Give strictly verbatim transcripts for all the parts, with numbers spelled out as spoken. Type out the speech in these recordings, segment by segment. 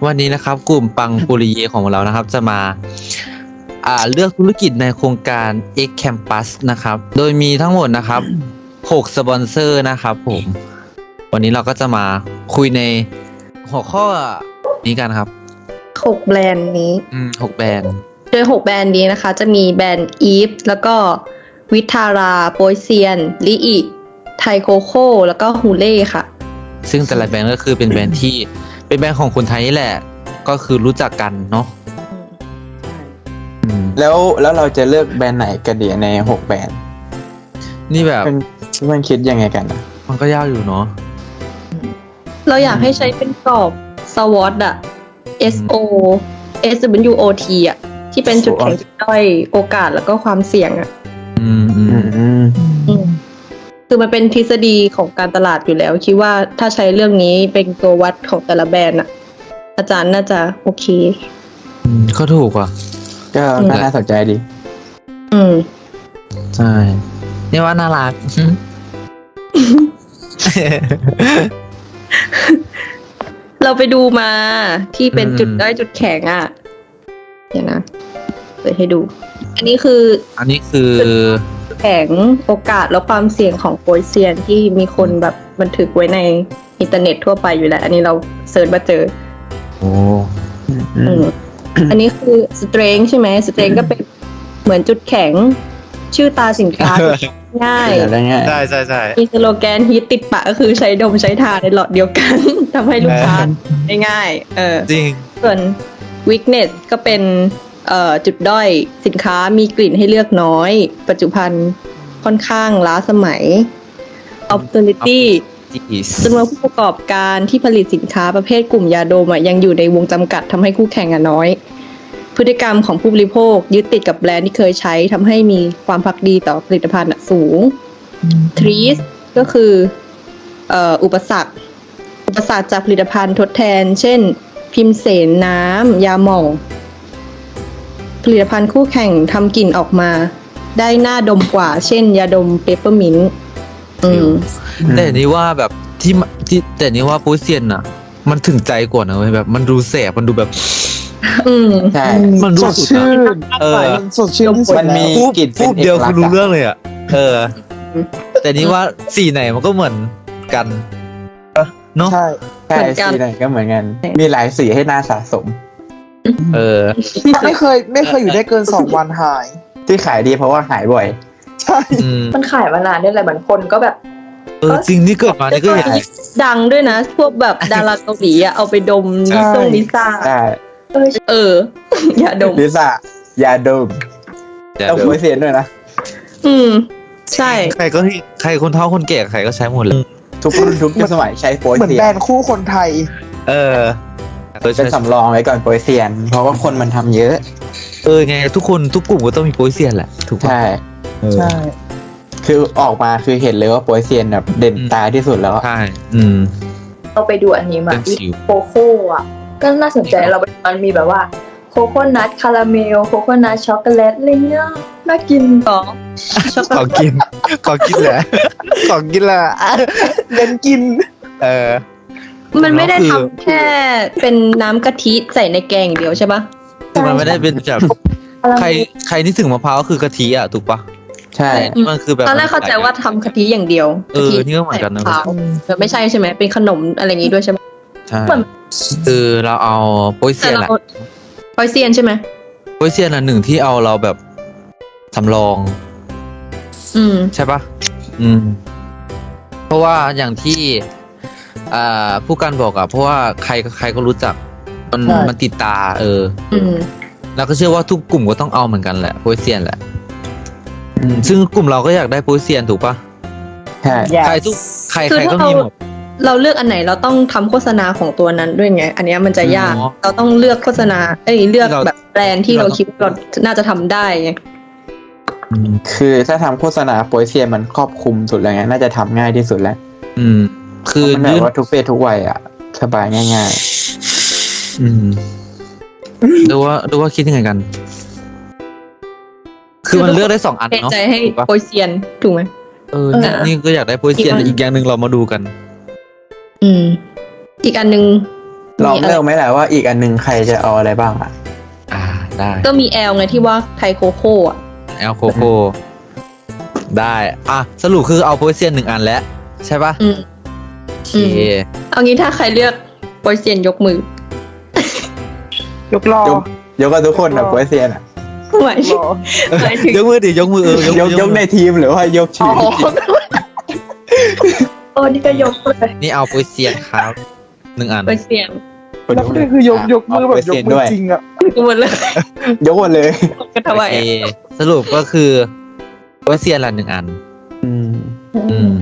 วันนี้นะครับกลุ่มปังปุริเยของเรานะครับจะมาอ่าเลือกธุรกิจในโครงการ X Campus นะครับโดยมีทั้งหมดนะครับหกสปอนเซอร์นะครับผมวันนี้เราก็จะมาคุยในหัวข้อนี้กันครับหกแบรนด์นี้อืมหกแบรนด์โดยหกแบรนด์นี้นะคะจะมีแบรนด์อีฟแล้วก็วิทาราโปยเซียนลิอิไทโคโค่แล้วก็ฮูเล่ค่ะซึ่งแต่ละแบรนด์ก็คือเป็นแบรนด์ที่เป็นแบรนด์ของคนไทยนี่แหละก็คือรู้จักกันเนาะแล้วแล้วเราจะเลือกแบรนด์ไหนกันดีในหกแบรนด์นี่แบบเป็นมันคิดยังไงกันนะมันก็ยากอยู่เนาะเราอยากให้ใช้เป็นกรอบ สวอต อะ เอส โอ เอส ดับเบิลยู โอ ที อะที่เป็นจุดแข็งจุดด้อยโอกาสแล้วก็ความเสี่ยงอะอืมอืมอืมคือมันเป็นทฤษฎีของการตลาดอยู่แล้วคิดว่าถ้าใช้เรื่องนี้เป็นตัววัดของแต่ละแบรนด์อะอาจารย์น่าจะโอเคอืมก็ถูกว่ะก็น่าสนใจดีอืมใช่นี่ว่าน่ารักเราไปดูมาที่เป็นจุดด้อยจุดแข็งอ่ะเดี๋ยวนะเปิดให้ดูอันนี้คืออันนี้คือแข็งโอกาสและความเสี่ยงของโปยเซียนที่มีคนแบบบันทึกไว้ในอินเทอร์เน็ตทั่วไปอยู่แล้วอันนี้เราเซิร์ชมาเจอโอ้อันนี้คือ strength ใช่ไหม strength ก็เป็นเหมือนจุดแข็งชื่อตาสินค้าง่ายใช่ใช่ใช่มีสโลแกนฮิตติดปากก็คือใช้ดมใช้ทาในหลอดเดียวกัน ทำให้ลูกค้าได้ง่ายเออจริงส่วน weakness ก็เป็นเอ่อจุดด้อยสินค้ามีกลิ่นให้เลือกน้อยปัจจุบันค่อนข้างล้าสมัย opportunity จำนวนผู้ประกอบการที่ผลิตสินค้าประเภทกลุ่มยาดมยังอยู่ในวงจำกัดทำให้คู่แข่งน้อยพฤติกรรมของผู้บริโภคยึดติดกับแบรนด์ที่เคยใช้ทำให้มีความภักดีต่อผลิตภัณฑ์สูง Trees ก็คือเอ่ออุปสรรคอุปสรรคจากผลิตภัณฑ์ทดแทนเช่นพิมเสนน้ำยาหม่องผลิตภัณฑ์คู่แข่งทำกลิ่นออกมาได้น่าดมกว่าเช่นยาดมเปปเปอร์มินต์แต่นี่ว่าแบบที่ที่แต่นี่ว่าโปยเซียนน่ะมันถึงใจกว่านะเว้ยแบบมันดูแสบมันดูแบบอืมใช่มันดูสดชื่นเออสดชื่นมันมีกลิ่นพูดเดียวคือรู้เรื่องเลยอ่ะเออแต่นี่ว่าสีไหนมันก็เหมือนกันเนาะใช่ใช่สีไหนก็เหมือนกันมีหลายสีให้น่าสะสมเออไม่เคยไม่เคยอยู่ได้เกินสองวันหายที่ขายดีเพราะว่าหายบ่อยใช่มันขายมานานนี่แหละบางคนก็แบบเออจริงนี่เกิดมานี่ก็เห็นดังด้วยนะพวกแบบดาราเกาหลีอ่ะเอาไปดมลิซ่งลิซ่าใช่เอออย่าดมลิซ่าอย่าดมต้องโปยเซียนด้วยนะอืมใช่ใครก็ใครคนเฒ่าคนแก่ใครก็ใช้หมดเลยทุกรุ่นทุกสมัยใช้โปยเซียนเหมือนแบรนด์คู่คนไทยเออเป็นสำรองไว้ก่อนโปยเซียนเพราะว่าคนมันทำเยอะเออไงทุกคนทุกกลุ่มก็ต้องมีโปยเซียนแหละถูกป่ะใช่ใช่คือออกมาคือเห็นเลยว่าโปยเซียนแบบเด่นตาที่สุดแล้วใช่อืมเราไปดูอันนี้มาโคโค่อะก็น่าสนใจเรามันมีแบบว่าโคโค่นัทคาราเมลโคโค่นัทช็อกโกแลตอะไรเงี้ยน่ากินต่อขอกินขอกินแหละขอกินแหละเล่นกินเออมันไม่ได้ทำแค่เป็นน้ำกะทิใส่ในแกงเดียวใช่ปะคือมันไม่ได้เป็นแบบใครใครนี่ถึงมะพร้าวก็คือกะทิอ่ะถูกปะใช่มันคือแบบตอนแรกเข้าใจว่าทำกะทิอย่างเดียวเออนี่ก็เหมือนกันนะแต่ไม่ใช่ใช่ไหมเป็นขนมอะไรอย่างงี้ด้วยใช่ไหมใช่คือเราเอาโปยเซียนแหละโปยเซียนใช่ไหมโปยเซียนอันหนึ่งที่เอาเราแบบสำรองอืมใช่ปะอืมเพราะว่าอย่างที่อ่าผู้การบอกอะเพราะว่าใครใครก็รู้จักมันมันติดตาเอออืมแล้วก็เชื่อว่าทุกกลุ่มก็ต้องเอาเหมือนกันแหละโปยเซียนแหละซึ่งกลุ่มเราก็อยากได้โปยเซียนถูกปะใช่ใครทุกใครใครก็มีหมดเราเลือกอันไหนเราต้องทำโฆษณาของตัวนั้นด้วยไงอันนี้มันจะยากเราต้องเลือกโฆษณาเอ้ยเลือกแบบแบรนด์ที่เราคิดเราน่าจะทำได้ไงคือถ้าทำโฆษณาโปยเซียนมันครอบคลุมสุดแล้วไงน่าจะทำง่ายที่สุดแล้วอืมคือมันแบบว่าทุกเพศทุกวัยอ่ะสบายง่ายๆอืมดูว่าดูว่าคิดยังไงกันคือมันเลือกได้สองอันเนาะใจให้โปยเซียนถูกไหมเออนี่ก็อยากได้โปยเซียนอีกอย่างหนึ่งเรามาดูกันอืมอีกอันหนึ่งลองมีอะไรเลือกไหมล่ะว่าอีกอันหนึงใครจะเอาอะไรบ้างอ่ะอ่าได้ก็มีแอลไงที่ว่าไทโคโค่อะแอลโคโคได้อ่ะสรุปคือเอาโพเซียนหนึ่งอันแล้วใช่ปะอืมโอเคเอางี้ถ้าใครเลือกโปรเซียนยกมือยกล้อยกยกกันทุกคนนะโปรเซียนอ่ะหมายถึงล้อหมายถึงยกมือดิยกมือเออยยกยกในทีมหรือว่ายกอ๋ชื่ออโอ้นี่ก็ยกเลยนี่เอาโพเซียนครับหนึ่งอันโปรเซียนแล้วก็คือยกยกมือแบบยกมือจริงอ่ะกูหมดเลยยกหมดเลยกันโอทำไมเคสรุปก็คือโพเซียนละหนึ่งอันอืมอืม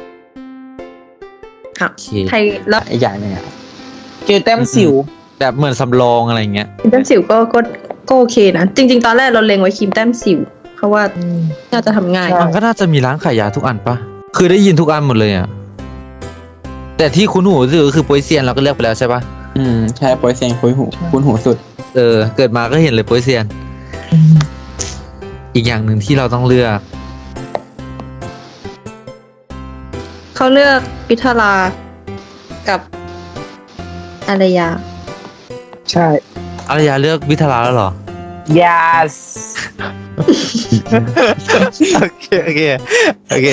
ค่ะโอเคไทยแล้วอีกอย่างหนึงอ่ะเจอแต้มสิวแบบเหมือนสำรองอะไรเงี้ยครีมแต้มสิวก็ก็ก็โอเคนะ จริง ๆ ตอนแรกเราเล็งไว้ครีมแต้มสิวเพราะว่าน่าจะทำง่ายใช่มันก็น่าจะมีร้านขายยาทุกอันปะคือได้ยินทุกอันหมดเลยอ่ะแต่ที่คุ้นหูที่สุดก็คือโพเซียนเราก็เลือกไปแล้วใช่ปะอืมใช่โปรเซียนคุ้นหูคุ้นหูสุดเออเกิดมาก็เห็นเลยโพเซียน อีกอย่างหนึ่งที่เราต้องเลือกเขาเลือกพิทารากับอารยาใช่อารยาเลือกวิทาราแล้วเหรอ yes โอเคโอเคโอเค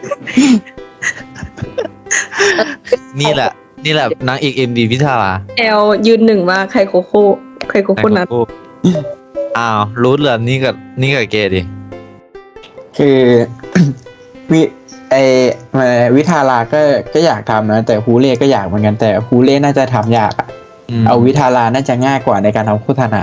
นี่แหละ นี่แหละนางเอกเอ็มดีวิทาราแอลยืนหนึ่งมากไคโคโค่ไคโคโค่นัทอ้าวรู้เหรอนี่กับนี่กับเกดิคือ วิไอมาวิทาราก็ก็อยากทำนะ แต่ฮูเล่ก็อยากเหมือนกันแต่ฮูเล่น่าจะทำยากอะมเอาวิทาราน่าจะง่ายกว่าในการทำโฆษณา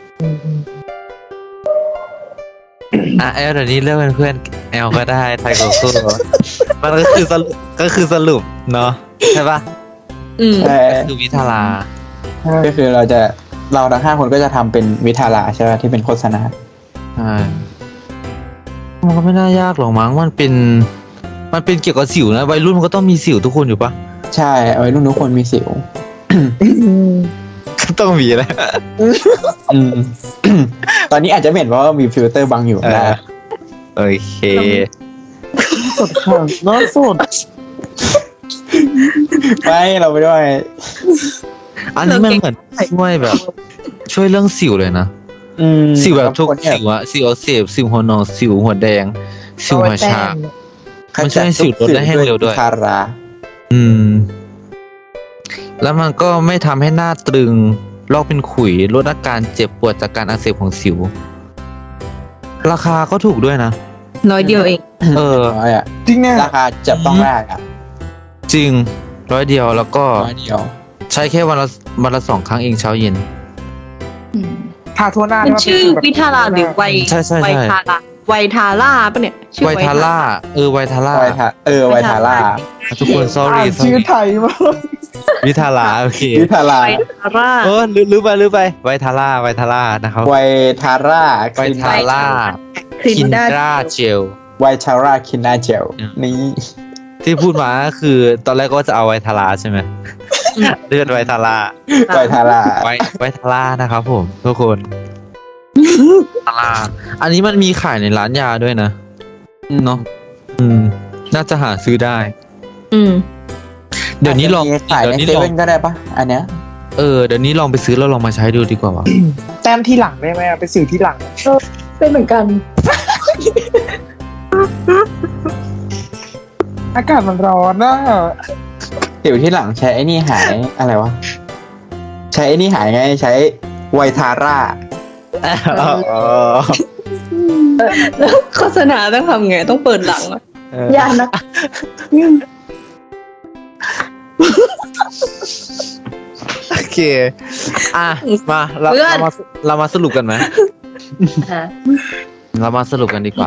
อ่ะแอลเดี๋ยวนี้เลือกเป็นเพื่อนแอลก็ได้ไทยโกโก้มันก็คือสรุปก็คือสรุปเนาะใช่ปะอืมใช่ก็คือวิทาราก็คือเราจะเราทั้งห้าคนก็จะทำเป็นวิทาราใช่ไหมที่เป็นโฆษณาใช่มันก็ไม่น่ายากหรอกมั้งมันเป็น มันเป็นเกี่ยวกับสิวนะวัยรุ่นมันก็ต้องมีสิวทุกคนอยู่ปะใช่เอาไว้รุ่นทุกคนมีสิวก็ต้องมีแหละอืม ตอนนี้อาจจะไม่เห็นเพราะว่ามีฟิลเตอร์บังอยู่เออนะโอเคสดค่ะน้องสดไม่เราไม่ด้วยอันนี้มันเหมือนช่วยแบบ ช่วยเรื่องสิวเลยนะอืมสิวแบบทุกคนเนี่ยสิวอะสิวอักเสบสิวหัวนอนสิวหัวแดง สิวหัวชา มันช่วยให้สิวลดได้ให้เร็วด้วยทาราอืม แล้วมันก็ไม่ทำให้หน้าตรึงลอกเป็นขุยลดอาการเจ็บปวดจากการอักเสบของสิว ราคาก็ถูกด้วยนะน้อยเดียวเองเออน้อยอ่ะจริงเนี่ยราคาจับต้องได้อ่ะจริงร้อยเดียวแล้วก็น้อยเดียวใช้แค่วันละวันละสองครั้งเองเช้าเย็นทาทั่วหน้ามันชื่อวิทาราหรือไวใช่ใช่ใช่ไวทาราไวทาร่าปะเนี่ยชื่อไวทาร่าเออไวทาร่าไวทาเออไวทาร่าทุกคน sorry อ่าน sorry ชื่อไทยมากวิทาร่าโอเควิทาราไวทาร่าเออลืมลืมไปลืมไปไวทาร่าไวทาร่านะครับไวทาร่าไวทาร่าคลินคินด้าดราเจลไวทาร่าคินนาเจลอืมนี่ที่พูดมาก็คือ ตอนแรกก็จะเอาไวทาร่าใช่ไหมเลือดไวทาร่าไวทาร่าไวไวทาร่านะครับผมทุกคนทาร่าอันนี้มันมีขายในร้านยาด้วยนะเนาะอืม น่าจะหาซื้อได้อืมเดี๋ยวนี้ลองขายเดี๋ยวในนี้เซลองเว่นก็ได้ปะอันเนี้ยเออเดี๋ยวนี้ลองไปซื้อแล้วลองมาใช้ดูดีกว่าวะแต้มที่หลังได้ไหมอะเป็นสิวที่หลังเป็นเหมือนกันอากาศมันร้อนนะเดี๋ยวที่หลังใช้ไอ้นี่หายอะไรวะ ใช้ไอ้นี่หายไงใช้ไวทาร่าอ๋อแล้วโฆษณาต้องทำไงต้องเปิดหลังอะเออยากนะโอเค อ่ะ มาเราเพื่อนเรามาเรามาสรุปกันไหมฮะเรามาสรุปกันดีกว่า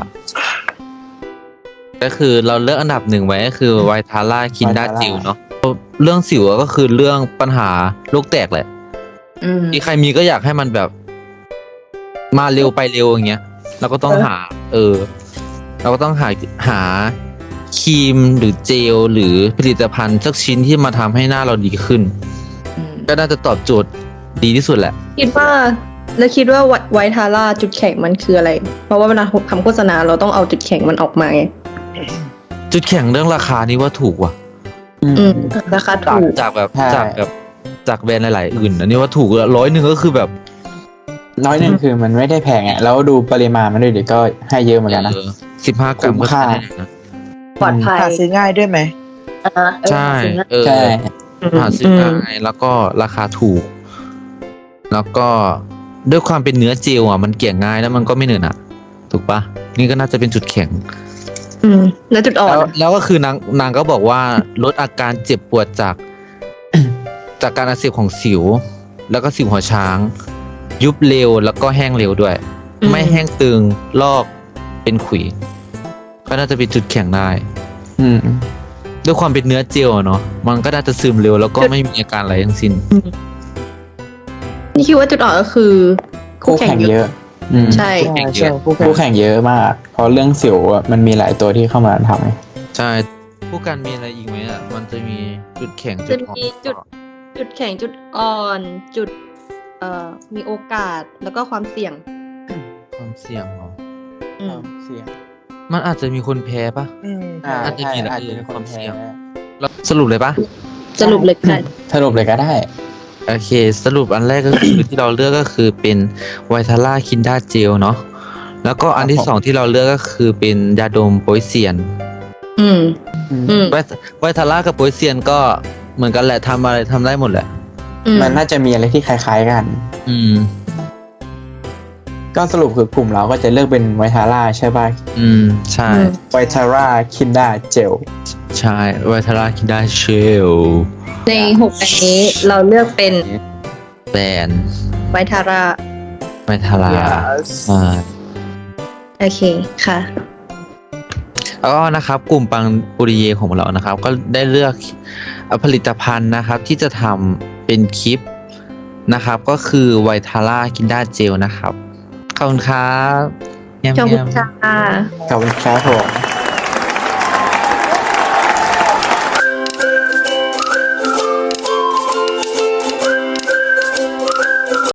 ก็คือเราเลือกอันดับหนึ่งไว้ก็คือไวทาร่าคินดาจิวเนาะเรื่องสิวก็คือเรื่องปัญหาโรคแตกแหละอืมที่ใครมีก็อยากให้มันแบบ มาเร็วไปเร็วอย่างเงี้ยเราก็ต้องหา เออ เราก็ต้องหาหาครีมหรือเจลหรือผลิตภัณฑ์สักชิ้นที่มาทำให้หน้าเราดีขึ้นอืมก็น่าจะตอบโจทย์ดีที่สุดแหละคิดว่าแล้วคิดว่าไวทาร่าจุดแข็งมันคืออะไร เพราะว่าเวลาทำโฆษณาเราต้องเอาจุดแข็งมันออกมาไงจุดแข็งเรื่องราคานี่ว่าถูกว่ะอืมราคาจากถูกจากแบบใช่จากแบบจากแบรนด์หลายๆอื่น อันนี้ว่าถูกร้อยหนึ่งก็คือแบบน้อยหนึ่งคือมันไม่ได้แพงอ่ะแล้วดูปริมาณมันด้วยเดี๋ยวก็ให้เยอะเหมือนกันนะสิบห้ากรัมคุ้ก็มค่าใช้ได้นะปลอดภัยหาซื้อง่ายด้วยไหมอ่าเออใช่จริงนะเออใช่หาซื้อง่ายแล้วก็ราคาถูก แล้วก็ด้วยความเป็นเนื้อเจลอ่ะมันเกลี่ยง่ายแล้วมันก็ไม่เหนอะหนะถูกปะนี่ก็น่าจะเป็นจุดแข็งอืม แล้วจุดอ่อนแล้วอะแล้วก็คือนางนางก็บอกว่าลดอาการเจ็บปวดจาก จากการอักเสบของสิว แล้วก็สิวหัวช้าง ยุบเร็วแล้วก็แห้งเร็วด้วย ไม่แห้งตึงลอกเป็นขุย ก็น่าจะเป็นจุดแข็งได้อืมด้วยความเป็นเนื้อเจลอะเนาะมันก็น่าจะซึมเร็วแล้วก็ไม่มีอาการอะไรทั้งสิ้นนี่คิดว่าจุดอ่อนก็คือคู่คู่แข่แข่งงเยเยอะอะ อืมใช่แข่งเยใช่อะคู่แข่คู่งแข่งเยอะมาก เพราะเรื่องสิวอะมันมีหลายตัวที่เข้ามาทำไงใช่ผู้การมีอะไรอีกไหมอ่ะมันจะมีจุดแข็งจะจุดอ่อนมีจุด จุดแข็งจุดอ่อน จุด เอ่อ มีโอกาสแล้วก็ความเสี่ยงความเสี่ยงเหรออืมเสียงมันอาจจะมีคนแพ้ปะอืมอ่าอาจจะมีใช่แหละอาจจะมีคนความเสี่แพ้ยง แล้วสรุปเลยปะสรุปเลยค่ะสรุปเลยก็ได้โอเค สรุปอันแรกก็คือ ที่เราเลือกก็คือเป็นไวทาร่าคินดาเจลเนาะแล้วก็อันที่ครับผมสองที่เราเลือกก็คือเป็นยาดมโปยเซียนอืม อืมไวไวทาร่ากับโปยเซียนก็เหมือนกันแหละทำอะไรทำได้หมดแหละอืมมันน่าจะมีอะไรที่คล้าย ๆกันอืมก็สรุปคือกลุ่มเราก็จะเลือกเป็นไวทาร่าใช่ป่ะอืม ใช่อืมไวทาร่าคินดาเจลใช่ไวทาร่าคินดาเชลในหกอันนี้เราเลือกเป็นแบรนด์ไวทาร่าไวทาร่า Yes อ่าโอเคค่ะแล้วก็นะครับกลุ่มปังปุริเยของเรานะครับ ก็ได้เลือกผลิตภัณฑ์นะครับ ที่จะทำเป็นคลิปนะครับ ก็คือไวทาร่าคินดาเจลนะครับขอบคุณครับแยมขอบแยคุณมค่ะขอบคุณครับผม